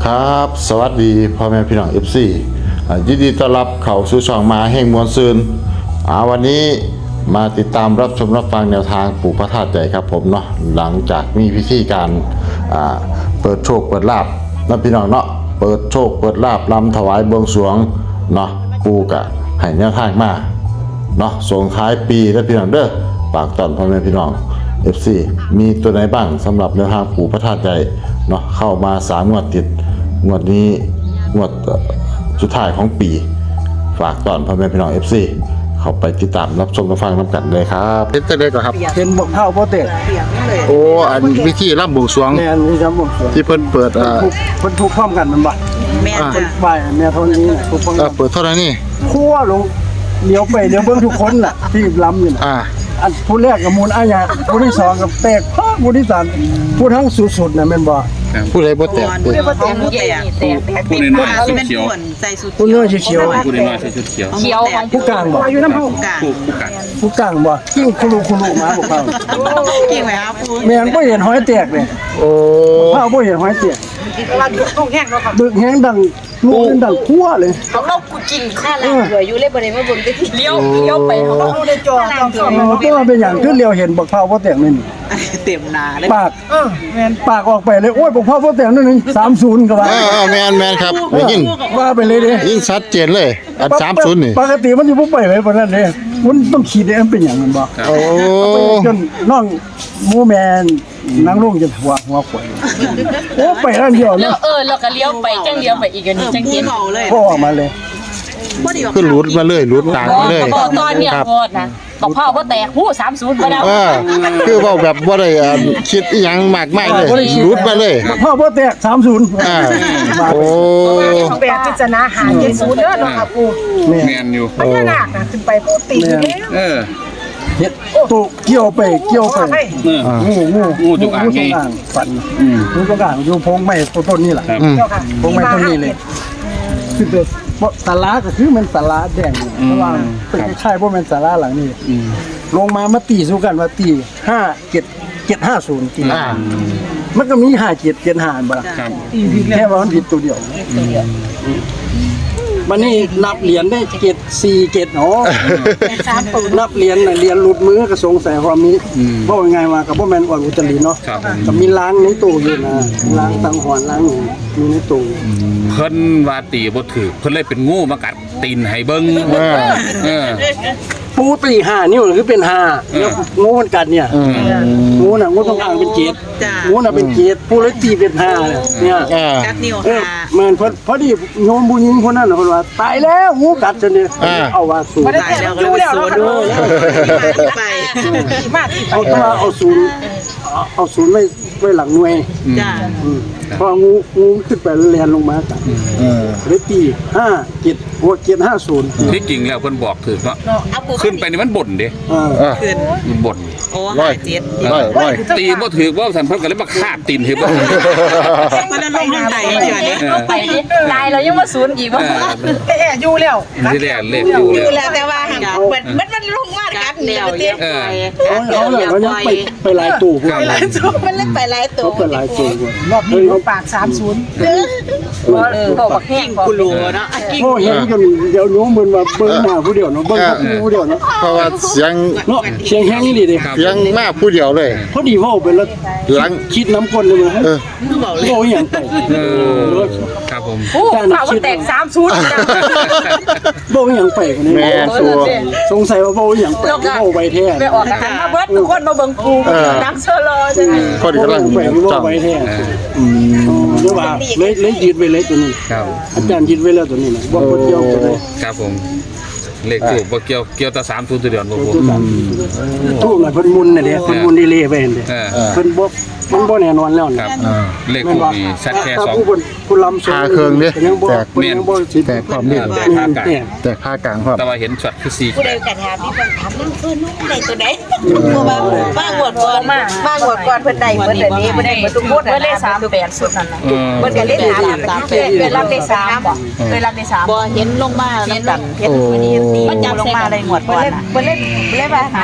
ครับสวัสดีพ่อแม่พี่น้อง FC ยินดีต้อนรับเข้าสู่ช่องมาแห่งมวลซืนวันนี้มาติดตามรับชมรับฟังแนวทางปู่พระธาตุใหญ่ครับผมเนาะหลังจากมีพิธีการเปิดโชคเปิดลาภนะพี่น้องเนาะเปิดโชคเปิดลาภรำถวายบวงสรวงเนาะปู่กะให้แนวทางมาเนาะส่งท้ายปีและพี่น้องเด้อฝากต้อนพ่อแม่พี่น้อง FC มีตัวไหนบ้างสำหรับแนวทางปู่พระธาตุใหญ่เนาะเข้ามา3 งวดติดงวดนี้งวดสุดท้ายของปีฝากต้อนพ่อแม่พี่น้อง FC เข้าไปติดตามรับชมรับฟังน้ำกันเลยครับเป็นตัวเล็กครับเป็นบกเท่าโปรเตกโอ้อันวิธีรับบวงสรวงแม่นนี่ครับผมที่เพิ่นเปิดคนทุกพร้อมกันมันบ่แม่จ้ะบ่ายแม่เท่านี้ทุกพร้อมกันเปิดเท่าไหร่นี่คั่วลงเลี้ยวไปเลี้ยวเบิ่งทุกคนน่ะที่ล้ำอยู่น่ะอันผู้แรกกับมูลอาญาผู้ที่สองกับแตกผู้ที่สามผู้ทั้งสุดๆน่ะแม่นบ่ผู้ใดบ่แตกผู้บ่แตกผู้แตกผู้น้อยๆชุดเขียวใส่สุดผู้น้อยเขียวผู้น้อยๆชุดเขียวเขียวของผู้กลางบ่อยู่น้ำเฮาผู้กลางผู้กัดผู้กลางบ่กิ้งคุรุมาบ่เข้ากิ่งไว้ครับผู้แม่นบ่เห็นหอยแตกเลยโอ้ข้าวบ่เห็นหอยแตกว่าต้องแห้งแล้วครับดึกแห้งดังลูกดังคั่วเลยของเรากูกินข้าวแล้วเหลืออยู่เลยบ่ได้มาเบิ่งไปที่เลี้ยวไปเขาต้องได้จอต้องจอแต่ว่าเป็นหยังคือเลี้ยวเห็นบักเผาบ่แตกนี่เต็มนาเลยปากแม่นปากออกไปเลยโอ้ยบอกพ่อพ่อแต่งนั่นนี่30ก็ว่าแม่นครับได้ยินว่าไปเลยเด้ยิ่งชัดเจนเลยอัน30นี่ปกติมันสิบ่ไปไว้ปานนั้นเด้มันต้องคิดได้มันเป็นหยังมันบ่โอ้จนน้องหมูแมนนางลุงจะหัวข่อยโอ้ไปนั่นเดียวแล้เนาะวเราก็เลี้ยวไปจังเลี้ยวไปอีกอันนี้จังผู้เห็นเมาเลยพ่อออกมาเลยบ่ดีว่าคือหลุดมาเลยหลุดตามมาเลยบอกตอนเนี่ยโคตรนะบอกพ่อว่าแตกหู30บ่ได้คือเว้าแบบบ่ได้คิดอีหยังมากมายเลยหลุดมาเลยพ่อพ่อแตก30 โอ้แบบพิจารณาหา70เด้อเนาะค่ะปู่นี่แมนอยู่พญานาคน่ะขึ้นไปพูดตีอยู่แล้วเออเฮ็ดตุเกี่ยวไปเออ งูจงอางไงฝันงูจงอางอยู่พงไม้ต้นนี่แหละครับเจ้าค่ะพงไม้ต้นนี้เลยคือแต่ศาลาก็คือมันศาลาแดงเพราะว่าเป็นคล้ายๆบ่แม่นศาลาหลังนี้ลงมาตีสู้กันว่าตี5750ตีมันก็มี5775บ่ล่ะครับแค่ว่ามันผิดตัวเดียวมันนี่นับเหรียญได้747อ๋อนับเหรียญน่ะเหรียญหลุดมือก็สงสัยว่ามีบ่ว่าไงว่าก็บ่แม่นอ่อนอุตริเนาะครับผมก็มีล้างในตู้อยู่นะล้างตังหอนล้างอยู่ในตู้เพิ่นว่าตีบ่ถือเพิ่นเลยเป็นงูมากัดตีนให้เบิ่งเออปูตี5นิ้วคือเป็น5แล้วงูมันกัดเนี่ยงูน่ะงูต้องอ่างเป็น7งูน่ะเป็น7ปูเลยตีเป็น5เนี่ยกัดนิ้วเออหาเหมือนพอดีโยมผู้หญิงคนนั้นน่ะเพิ่นว่าตายแล้วงูกัดจนเนี่ยเอาว่าสูงตายแล้วก็เลยสวนไปมากที่เอาตัวเอาศูนย์ไว้หลังหน่วยจ้าพองูขึ้นไปแลนลงมากัดเลยตี5750 ที่จริงแล้วเพิ่นบอกถือเนาะเอาปูขึ้นไปนี่มันบ่นเด้ขึ้นมันบ่นโอ้ร้อย 57 ร้อยตีบ่ถือว่าสันเพิ่นก็เลยมาคาบตีนให้เบิ่งมันลงใจเดี๋ยวนี้ลงไปดิตายเรายังมาศูนย์อีกว่าแต่อยู่แล้วที่แรกเลขอยู่อยู่แล้วแล้วแต่ว่ามันลงมากัดเดียวเต็มเขาเลยเขายังไปหลายตู้พวกครับมันเล่นไปหลายตัวเขาไปหลายตู้พวกรอบนี้ปาก30 เขาบักแห้งกูรู้เนาะกิ้งโอ้เห็นจนเดี๋ยวโน้มเหมือนว่าเบิ้งหน้าผู้เดียวเนาะเบิ้งผู้เดียวเนาะเพราะว่าเสียงเนาะเสียงแห้งนี่ดิเสียงมากผู้เดียวเลยพอดีว่าไปแล้วหลังคิดน้ำคนเลยมั้ยบอกเลยโอ้ยอย่างไปครับผมหูพ่อว่าแตก30จังโบ้อย่างไปคนนี้แม่ตัวสงสัยว่าโบ้อย่างไปโบ้ไปแท้ไปออกกันมาเบิดทุกคนมาเบิ่งกูนักเซอร์ลอจังคนกำลังไปโบ้จ้องไปแท้เดี๋ยวว่าเลยยืดไปเลยตัวนี้ครับอาจารย์ยืดไว้แล้วตัวนี้นะบ่คนเดียวตัวนี้ครับผมเลขถูกบ่เกี่ยวแต่30ตัวเดียวบ่ผมทูบน่ะเพิ่นมุนน่ะเด้เพิ่นมุนดีเลยไปเห็นเด้เออเพิ่นบ่มันบ่แน่นอนแล้วคนี่รับเลขถูกนี่ชัดแค่ถ้า 2 ผู้ลำคาเครื่องดิยังบ่แตกยังบ่สิแตกความดีแต่ภาคกลางแตกค่ากลางครับแต่ว่าเห็นช็อตคือ4 ผู้ใดกันถามพี่คนถามนั่นคือนุ่งใดตัวใดตัวบ้างหวดก่อนบ้างหวดก่อนเพิ่นใดเพิ่นนี้เพิ่นได้เพิ่นทุกคนเพิ่นเลข38สุดนั่นน่ะเพิ่นก็เล่นถามเคยรับได้3บ่เคยรับได้3 บ่เห็นลงมาแล้วแบบเห็นวันนี้ตีมันจับลงมาอะไรหวดก่อนเพิ่นเล่นมาถาม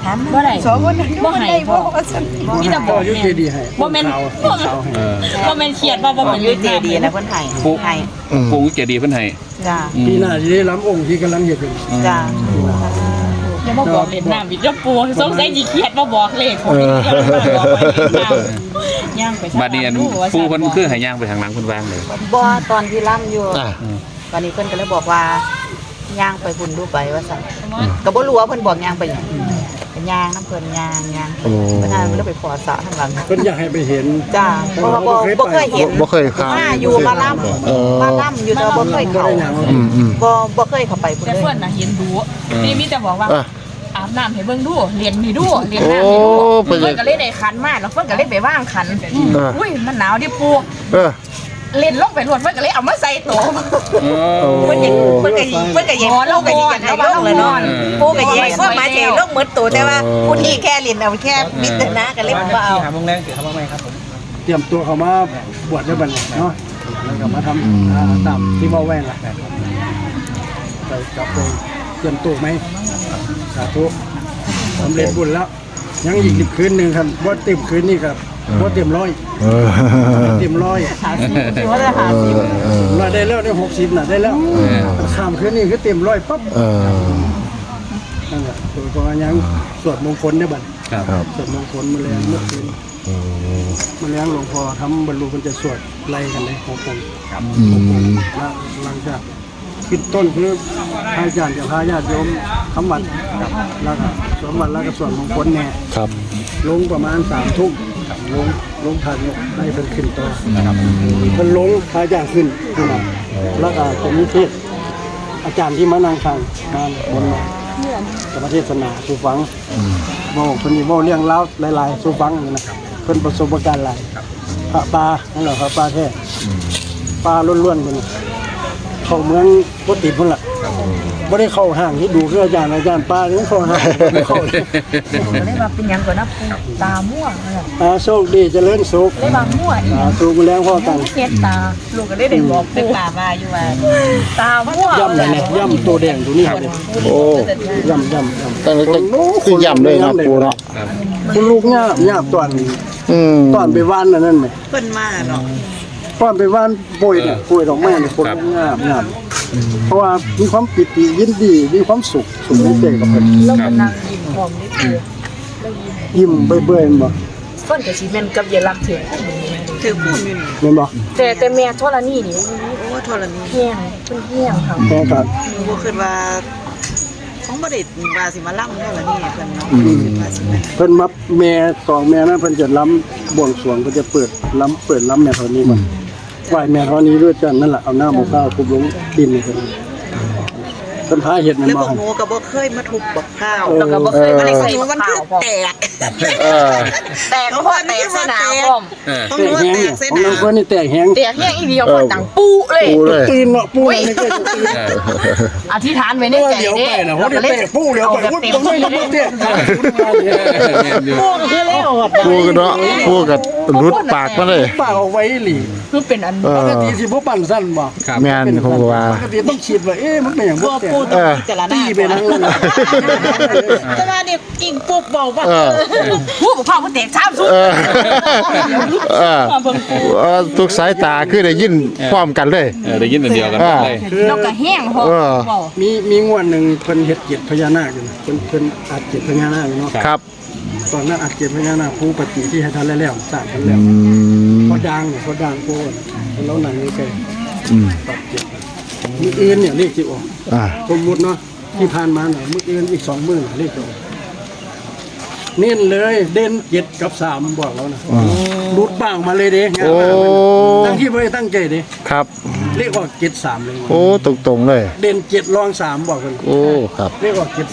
ถามบ่ได้สองคนนั้นบ่ให้ได้พ่บ่อว่าซั่นมีแต่บก็อกยุแม่เจดีให้บ่แม่นขาวขาวให้บ่แม่นเครียดว่าบ่เป็นอยู่เจดีนะเพิ่นให้ปูให้ปูเจดีย์เพิ่นให้จ้าปีหน้าจะได้ล้ำองค์ที่กำลังเห็นอยู่จ้าอย่ามาบอกเล่นน้ำอีกอย่าปูสงสัยสิเครียดบ่บอกเลขผมอย่ามาบอกว่าเล่นน้ำย่างไปบัดนี้อันปูเพิ่นคือให้ย่างไปทางหลังเพิ่นวางเลยบ่ตอนที่ล่ำอยู่อ่ะตอนนี้เพิ่นก็เลยบอกว่าย่างไปหุ่นดูไปว่าซั่นก็บ่รู้ว่าเพิ่นบอกย่างไปหยังเป็นย่างน้ำเพิ่นย่างเพิ่นน่าเลยไปขอสระทางหลังเพิ่นอยากให้ไปเห็นจ้าเพราะว่าบ่เคยเห็นบ่เคยเข้ามาอยู่มาล่ำมาล่ำอยู่แต่ว่าบ่เคยเข้าบ่เคยเข้าไปพุ่นแต่เลยเพิ่นน่ะเห็นดูนี่มีแต่บอกว่าอ่ะอาบน้ำให้เบิ่งดูเรียนนี่ดูเรียนน้ำนี่ดูโอ้เพิ่เพิ่นนก็เลยได้ขันมาแล้วเพิ่นก็เลยไปว่างขันอุ้ยมันหนาวดิปูเออเล่นลงไปรวดเพิ่นก็เลยเอามาใส่โตเพิ่นยังเพิ่นก็ยิงเพิ่นก็ยิงลงก็ยิงกันให้ลงเลยเนาะปูก็ยิงก็มาเจลงหมดตัวแต่ว่าผู้ที่แค่เล่นเอาแค่มิตรนะก็เลยบ่เอาเตรียมตัวเขามาบวชด้วยบัดนี้เนาะแล้วก็มาทำตามที่ว่าแว่นล่ะไปกลับไปเตรียมตัวไหมสาธุสำเร็จบุญแล้ว ยังอีกคืนหนึ่งครับว่าเต็มคืนนี่ครับว่าเต็มร้อยเออเต็มร้อยถือว่าจะหาสิมาได้แล้วได้60น่ะได้แล้วข้ามคืนนี่คือเต็มร้อยปั๊บเออนั่นแหละตัวก็ยังสวดมงคลได้บัดครับสวดมงคลมาแล้วเมื่อคืนมาแล้วหลวงพ่อทำบรรลุมันจะสวดไล่กันเลย6 องค์ แล้วหลังจากขึ้นต้นคือพระอาจารย์กับพระญาติโยมคำวัดแล้วก็สวดวัดแล้วก็สวดมงคลแน่ครับลงประมาณ3 ทุ่มลงทางเนี่ยให้เพิ่นขึ้นต่อเพิ่นลงพระอาจารย์ขึ้นมาแล้วก็จะมีเทศอาจารย์ที่มานั่งฟังมาบนจะมาเทศนาสู่ฟังบอกเพิ่นนี่เว้าเรื่องเล่าวหลายๆสู่ฟังนะครับเพิ่นประสบการณ์หลายพระปานั่นแหละพระปาแท้ปลาล้วนๆเพิ่นเข้าเมืองบ่ติดพุ่นล่ะบ่ได้เข้าห้างที่ดูคืออาจารย์ปลานี่เข้าห้างบ่เข้าก็เลยว่าเป็นหยังก่อนนะปูตาม่วงเลยโชคดีเจริญสุขเลยว่าม่วงอีกสูงแรงพอกันเฮ็ดตาลูกก็เลยได้บอกตึปูกป่ามาอยู่ว่าตาม่วงย่ำเลยเนี่ยย่ำตัวแดงตัวนี้ครับโอ้ย่ำตั้งแต่คือย่ำเลยนะปูเนาะคุณลูกง่าบตอน ตอนไปว่านนั่นไหมเพิ่นมาเนาะตอนไปว่านป่วยเนี่ยป่วยดอกไม้เนี่ยคนง่าบเพราะว่ามีความปิติยินดีมีความสุขในใจกับเพิ่นแล้วก็นั่งยิ้มพร้อมนี่คือยิ้มเบื่อๆบ่เพิ่นก็สิแม่นกับยายรักถึงถือพูดอยู่นี่แม่นบ่แต่แม่ธรณีนี่โอ้ธรณีแห้งเพิ่นแห้งค่ะแม่ก็บ่คิดว่าของบ่ได้ว่าสิมาล่ำธรณีเพิ่นเนาะว่าสิมาเพิ่นมาแม่2แม่นั้นเพิ่นจะล้ำบวงสรวงเพิ่นจะเปิดล้ำแม่เท่านี้มันไหว้แม่เท่านี้ด้วยกันนั่นแหละเอาหน้าบ่ข้าวคุบลงดินนี่เพิ่นพาเฮ็ดนั่นแล้วบ่บอกหนูก็บ่เคยมาทุบบักข้าวแล้วก็บ่เคยมาได้ใส่ใส่มันข้าคือวพร้อมแตกเออแต่ก็พอแต่สนามพร้อมของแตหนูกแห้งแตเนี่ยกเส้นของน้องเพิ่นนี่แตกแห้งแต่แห้งอีเดียวคนดังปูเลยปูเลยตื่นเนาะปูนี่ก็ตื่นอธิษฐานไว้ในใจเดี๋ยวเด้ไปนะเขาได้เตะปูเดี๋ยวไปพูดตรงนี้ยังไม่เตะปูก็คือแล้วปูกันเนาะปูกับรุดปากมาเลยปากเอาไว้หลีคือเป็นอันปกติสิบ่ปั่นสั้นบ่แม่นผมก็ว่าปกติต้องคิดว่ามันเป็นอย่างบ่แต่เออแต่ละหน้าตีไปนั่งนั่นแต่ว่านี่กิ่งปุ๊บบอกว่าเออผู้ปกครองมันแตกซ้ำสุดเออเออทุกสายตาคือได้ยินพร้อมกันเลยได้ยินเป็นเดียวกันเลยแล้วก็แห้งพอมีงวดหนึ่งเพิ่นเฮ็ดเกียรติพญานาคอยู่เพิ่นอัดเกียรติพญานาคอยู่เนาะครับตอนนั้นอัดเกียรติพญานาคผู้ปฏิที่ให้ทันแล้วสร้างทันแล้วพอดังเนี่ยพอดังโพดแล้วหนังนี่แกตัดเกียรติมีอื่นเนี่ยเลขสิออกอ่าสมมุติเนาะที่ผ่านมาหน่อยมื้ออื่นอีก2มื้อเลขจะออกเน้นเลยเด่น7กับ3บอกแล้วนะรุดบ้างมาเลยเด้งานโอ้ตั้งที่บ่ได้ตั้งใจเด้ครับเลขออก73เลยโอ้ตรงๆเลยเด่น7รอง3บอกเพิ่นโอ้ครับเลขออก73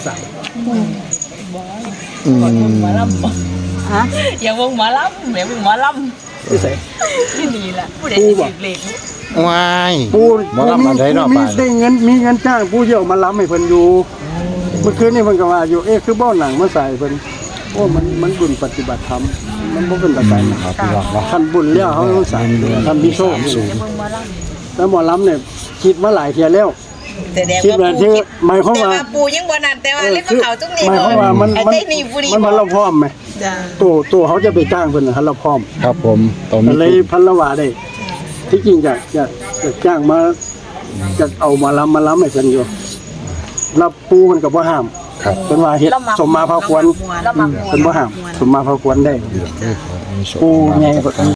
อืมหมอลำฮะอย่าวงหมอลำแหมวงหมอลที่ไสำที่นี่แหละผู้ใดปูสิบ่ถือเลขวายผู้หมอลำอันใดเนาะมีป่านได้เงินมีเงินจ้างผู้เยี่ยวมาล้ำให้เพิ่นอยู่เมื่อคืนนี่เพิ่นก็ว่าอยู่คือบ่หนังมาใส่เพิ่นโอ้มันบุญปฏิบัติธรรมมันบ่เป็นตะไคร้นะครับท่านบุญแล้วเขาต้องใส่ท่านมีโชคสูงแล้วหมอล้ำเนี่ยคิดมาหลายเที่ยแล้วแสดงคิดว่าแบบปูที่คิดหมายความแต่ว่าว่าปูยังบ่นั่นแต่ว่าเล่นเขาตรงนี้หมายความว่ามันไอ้ได้นี่บุรีมันเราพร้อมไหมจ้าตัวเขาจะไปจ้างเพิ่นน่ะเราพร้อมครับผมตรงก็นี้เลยพันละว่าได้ ที่จริงจะจ้างมาจะเอามาล้ำให้เพิ่นอยู่รับปูมันก็บ่ห้ามครับเพิ่นว่าเฮ็ดสมมาพาควรเพิ่นบ่ห้ามสมมาพาควรได้ปูใหญ่